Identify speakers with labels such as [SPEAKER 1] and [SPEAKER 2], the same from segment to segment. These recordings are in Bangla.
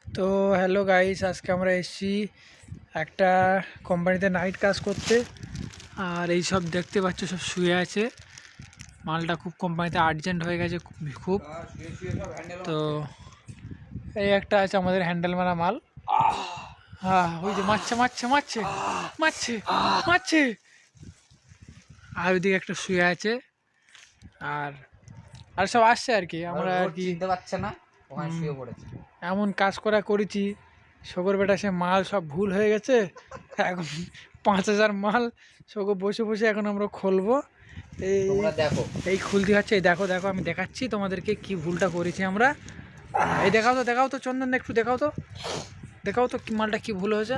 [SPEAKER 1] তো হ্যালো গাইস, আজকে আমরা এসেছি একটা কোম্পানিতে নাইট কাজ করতে। আর এই সব দেখতে পাচ্ছ সব শুয়ে আছে। মালটা খুব কোম্পানিতে আর্জেন্ট হয়ে গেছে খুব। তো এই একটা আছে আমাদের হ্যান্ডেল মারা মাল। হ্যাঁ, ওই যে মারছে মারছে মারছে মারছে মারছে। আর ওইদিকে একটা শুয়ে আছে। আর আর সব আসছে আর কি। আমরা আর কি
[SPEAKER 2] চিনতে পারছে না, ওখানে শুয়ে পড়েছে।
[SPEAKER 1] এমন কাজ করেছি, শকর বেটা সে মাল সব ভুল হয়ে গেছে। এখন 5,000 মাল শকর বসে বসে এখন আমরা খুলবো। এই
[SPEAKER 2] তোমরা দেখো,
[SPEAKER 1] এই খুলতে হচ্ছে। এই দেখো দেখো, আমি দেখাচ্ছি তোমাদেরকে কি ভুলটা করেছি আমরা। এই দেখাও তো চন্দন, একটু দেখাও তো কি মালটা কি ভুল হয়েছে।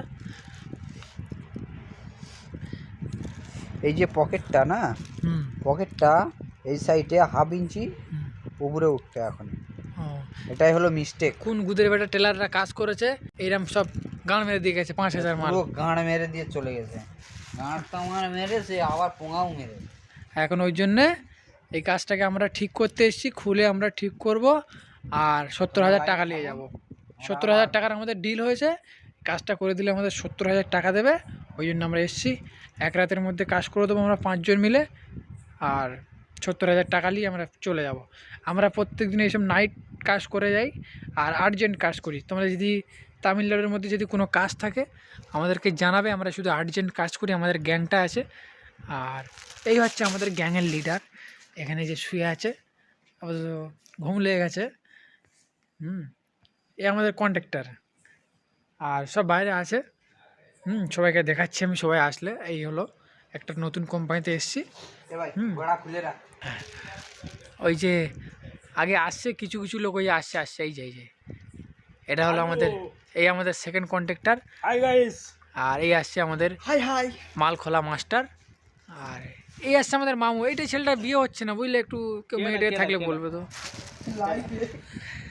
[SPEAKER 2] এই যে পকেটটা না,
[SPEAKER 1] হুম
[SPEAKER 2] পকেটটা এই সাইডে হাফ ইঞ্চি
[SPEAKER 1] হুম।
[SPEAKER 2] উপরে উঠছে এখন।
[SPEAKER 1] ও,
[SPEAKER 2] এটাই হলো মিস্টেক।
[SPEAKER 1] কোন গুদের বেটা টেলাররা কাজ করেছে এইরকম সব গান মেরে দিয়ে গেছে 5,000 মাল।
[SPEAKER 2] পুরো গাঁড় মেরে দিয়ে চলে গেছে। গাঁড় টাঙার মেরে সে আবার পোঙাও মেরে।
[SPEAKER 1] এখন ওই জন্যে এই কাজটাকে আমরা ঠিক করতে এসেছি, খুলে আমরা ঠিক করব। আর 70,000 টাকা নিয়ে যাব। 70,000 টাকার আমাদের ডিল হয়েছে। কাজটা করে দিলে আমাদের 70,000 টাকা দেবে। ওই জন্য আমরা এসেছি। এক রাতের মধ্যে কাজ করে দেবো আমরা 5 জন মিলে। আর 70,000 টাকা নিয়ে আমরা চলে যাব। আমরা প্রত্যেক দিন এইসব নাইট কাজ করে যাই আর আর্জেন্ট কাজ করি। তোমরা যদি তামিলনাড়ুর মধ্যে যদি কোনো কাজ থাকে আমাদেরকে জানাবে। আমরা শুধু আর্জেন্ট কাজ করি, আমাদের গ্যাংটা আছে। আর এই হচ্ছে আমাদের গ্যাংয়ের লিডার। এখানে যে শুয়ে আছে, অবশ্য ঘুম লেগে গেছে। এ আমাদের কন্ট্রাক্টর। আর সব বাইরে আছে। সবাইকে দেখাচ্ছি আমি, সবাই আসলে। এই হলো একটা নতুন কোম্পানিতে এসেছি।
[SPEAKER 2] খুলে রাখ।
[SPEAKER 1] ওই যে আগে আসছে কিছু কিছু লোক, ওই আসছে এই যে এটা হলো আমাদের, এই আমাদের সেকেন্ড কন্ট্রাক্টর।
[SPEAKER 2] Hi guys.
[SPEAKER 1] আর এই আসছে আমাদের
[SPEAKER 2] হাই
[SPEAKER 1] মাল খোলা মাস্টার। আর এই আসছে আমাদের মামু। এইটা ছেলেটার বিয়ে হচ্ছে না বুঝলে, একটু কেউ মেয়েটে থাকলে বলবে তো।